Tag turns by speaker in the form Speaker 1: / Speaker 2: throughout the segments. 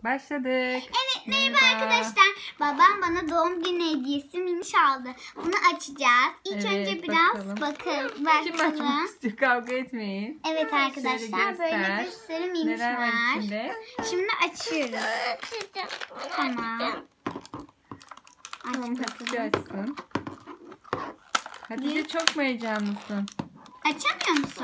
Speaker 1: Başladık.
Speaker 2: Evet, merhaba arkadaşlar. Babam bana doğum günü hediyesi miniş aldı. Bunu açacağız. İlk önce biraz bakalım.
Speaker 1: Kim açmak istiyor? Kavga etmeyin.
Speaker 2: Evet arkadaşlar, böyle bir sürü miniş
Speaker 1: Neler var
Speaker 2: var.
Speaker 1: içinde?
Speaker 2: Şimdi açıyoruz. Tamam.
Speaker 1: Tamam, Hatice açsın. Hatice çok mu heyecanlısın?
Speaker 2: Açamıyor musun?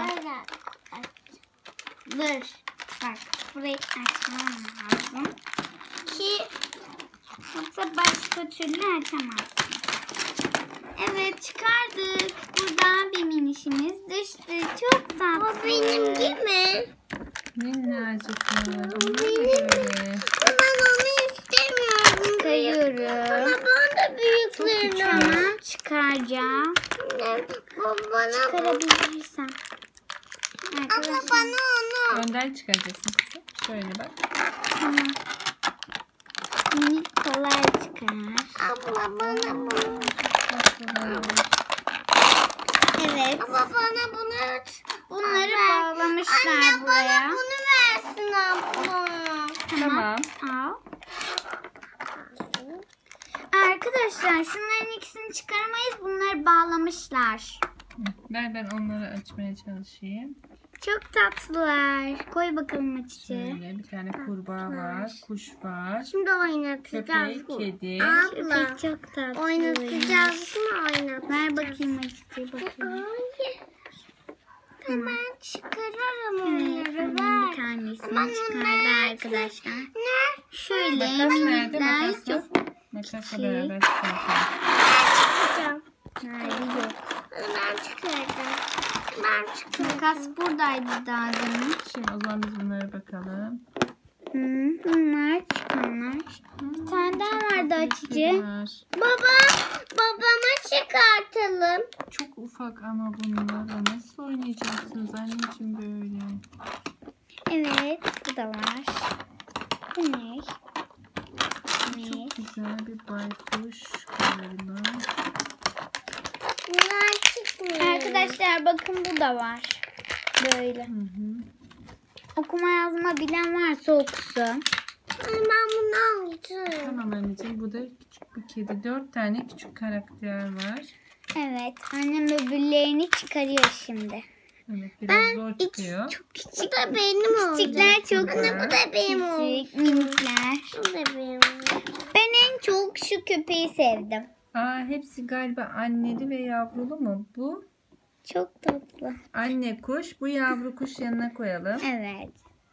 Speaker 2: Dur. Bak, burayı açmam lazım ki yoksa başka türlü açamazsın. Evet, çıkardık. Buradan bir minişimiz düştü. Çok tatlı.
Speaker 3: O benim değil mi?
Speaker 1: Minnacıklar.
Speaker 3: O benim. Ben onu istemiyorum.
Speaker 2: Çıkarıyorum.
Speaker 3: Ama bana büyüklerini al.
Speaker 2: Tamam, çıkaracağım.
Speaker 3: Bana
Speaker 2: Çıkarabilirsem.
Speaker 3: Ama
Speaker 2: Arkadaşlar.
Speaker 3: bana onu.
Speaker 1: Önden çıkaracaksın kızım. Şöyle bak.
Speaker 2: Tamam. Minik kolay çıkar.
Speaker 3: Abla bana bunu.
Speaker 2: Evet.
Speaker 3: Ama bana bunu.
Speaker 2: Bunları bağlamışlar
Speaker 3: Anne
Speaker 2: buraya.
Speaker 3: bana bunu versin abla.
Speaker 1: Tamam.
Speaker 2: Al. Arkadaşlar, şunların ikisini çıkaramayız. Bunları bağlamışlar.
Speaker 1: Ver, ben onları açmaya çalışayım.
Speaker 2: Çok tatlılar. Koy bakalım Hatice.
Speaker 1: Şöyle bir tane kurbağa var. Kuş var.
Speaker 3: Şimdi oynatacağız.
Speaker 1: Köpek, kedi.
Speaker 3: Abla.
Speaker 2: Köpek çok tatlı.
Speaker 3: Oynatacağız mı oynatacağız?
Speaker 2: Ver bakayım Hatice, bakayım.
Speaker 3: Ben çıkarırım
Speaker 2: Evet,
Speaker 3: onları.
Speaker 2: annem bir
Speaker 3: Ver.
Speaker 2: tanesini çıkardı arkadaşlar.
Speaker 3: Ne?
Speaker 2: Şöyle
Speaker 1: Makas nerede?
Speaker 2: minikler
Speaker 1: Makas
Speaker 2: çok
Speaker 1: yok. Makasla beraber çıkartalım.
Speaker 3: Çıkacağım.
Speaker 2: nerede yok.
Speaker 3: Ben çıkaracağım. Ben çıkaracağım.
Speaker 2: Makas buradaydı daha demin.
Speaker 1: Şimdi o zaman biz bunlara bakalım.
Speaker 2: Bunlar çıkanlar. Bir tane daha vardı Hatice.
Speaker 1: Var.
Speaker 3: Babama çıkartalım.
Speaker 1: Çok ufak ama bunlarla nasıl oynayacaksınız anneciğim böyle?
Speaker 2: Evet, bu da var. Bu ne?
Speaker 1: Çok güzel bir baykuş galiba.
Speaker 3: Bunlar çıkmıyor.
Speaker 2: Arkadaşlar bakın, bu da var. Böyle.
Speaker 1: Hı hı.
Speaker 2: Okuma yazma bilen varsa okusun.
Speaker 3: Ben bunu aldım.
Speaker 1: Tamam anneciğim, bu da küçük bir kedi. 4 tane küçük karakter var.
Speaker 2: Evet, annem öbürlerini çıkarıyor şimdi.
Speaker 1: Evet, biraz zor çıkıyor.
Speaker 2: Çok küçük.
Speaker 3: Bu da benim oldu.
Speaker 2: Küçükler çok
Speaker 3: Anne bu da benim oldu.
Speaker 2: küçük, minikler.
Speaker 3: Bu da benim oldu.
Speaker 2: Ben en çok şu köpeği sevdim.
Speaker 1: Aa, hepsi galiba anneli ve yavrulu mu? Bu
Speaker 2: Çok tatlı.
Speaker 1: anne kuş, bu yavru kuş yanına koyalım.
Speaker 2: Evet.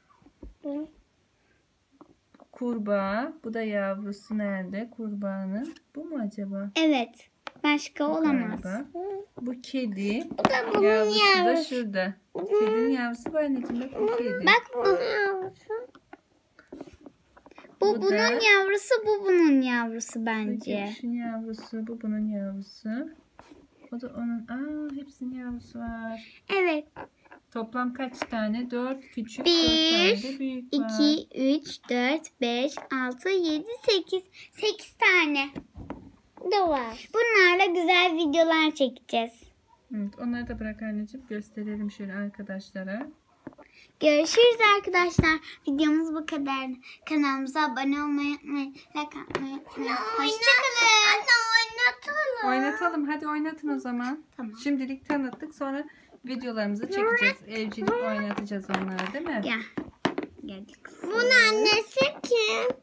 Speaker 1: Kurbağa, bu da yavrusu nerede kurbağanın? Bu mu acaba?
Speaker 2: Evet. Başka
Speaker 1: Bu
Speaker 2: olamaz.
Speaker 1: galiba. Bu kedi.
Speaker 3: Bu da bunun
Speaker 1: Yavrusu da
Speaker 3: yavrusu.
Speaker 1: şurada. Kedinin yavrusu bu anneciğim. Bak bu kedi.
Speaker 2: Bak bu.
Speaker 3: Yavrusu.
Speaker 2: Bu
Speaker 1: Bu
Speaker 2: bunun
Speaker 1: da-
Speaker 2: yavrusu, bu bunun yavrusu bence.
Speaker 1: Şunun yavrusu, bu bunun yavrusu. O da onun. Aa, hepsinin yavrusu var.
Speaker 2: Evet.
Speaker 1: Toplam kaç tane? 4 küçük, 4
Speaker 2: Bir,
Speaker 1: tane de büyük var.
Speaker 2: 2, 3, 4, 5, 6, 7, 8. 8 tane.
Speaker 3: Da var.
Speaker 2: Bunlarla güzel videolar çekeceğiz.
Speaker 1: Evet, onları da bırak anneciğim. Gösterelim şöyle arkadaşlara.
Speaker 2: Görüşürüz arkadaşlar. Videomuz bu kadar. Kanalımıza abone olmayı unutmayın. Like atmayı unutmayın. Hoşçakalın.
Speaker 3: Anne oynatalım.
Speaker 1: Oynatalım. Hadi oynatın o zaman.
Speaker 2: Tamam.
Speaker 1: Şimdilik tanıttık. Sonra videolarımızı çekeceğiz. Evcilik oynatacağız onları, değil mi?
Speaker 2: Gel. Geldik.
Speaker 3: Bunun annesi kim?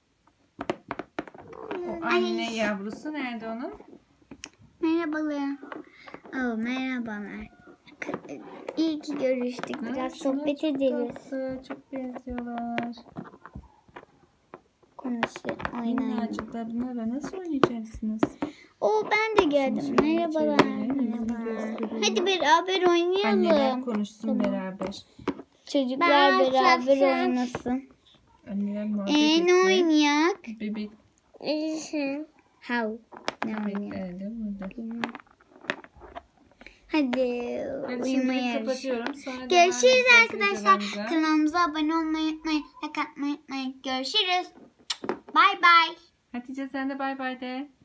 Speaker 1: O anne yavrusu nerede onun?
Speaker 2: Merhabalar. Oh, merhabalar. İyi ki görüştük. Biraz
Speaker 1: şunlar
Speaker 2: sohbet
Speaker 1: çok
Speaker 2: ederiz.
Speaker 1: tatlı, çok benziyorlar.
Speaker 2: Konuşuyor. Oynayalım.
Speaker 1: Minnacıklar, bunlarla nasıl oynayacaksınız?
Speaker 2: Ben de geldim.
Speaker 1: Şimdi
Speaker 2: Merhabalar.
Speaker 1: çevirelim, yüzünü
Speaker 2: Merhaba.
Speaker 1: gösterelim.
Speaker 2: Hadi beraber
Speaker 1: Anneler
Speaker 2: oynayalım.
Speaker 1: konuşsun beraber.
Speaker 2: Çocuklar
Speaker 3: Ben
Speaker 2: beraber
Speaker 3: açarsam.
Speaker 2: oynasın.
Speaker 1: Anneler muhabbet
Speaker 2: Ne
Speaker 1: etsin.
Speaker 2: oynayak?
Speaker 1: Bebek
Speaker 2: How? Ne oynayak?
Speaker 1: bebekler de burada.
Speaker 2: Hadi
Speaker 1: Ben
Speaker 2: uyumaya
Speaker 1: şimdi
Speaker 2: yarış.
Speaker 1: kapatıyorum. Sonra devam
Speaker 2: Görüşürüz
Speaker 1: edeceğiz
Speaker 2: arkadaşlar.
Speaker 1: videolarımıza.
Speaker 2: Kanalımıza abone olmayı unutmayın. Like atmayı unutmayın. Görüşürüz. Bye bye.
Speaker 1: Hatice sen de bay bay de.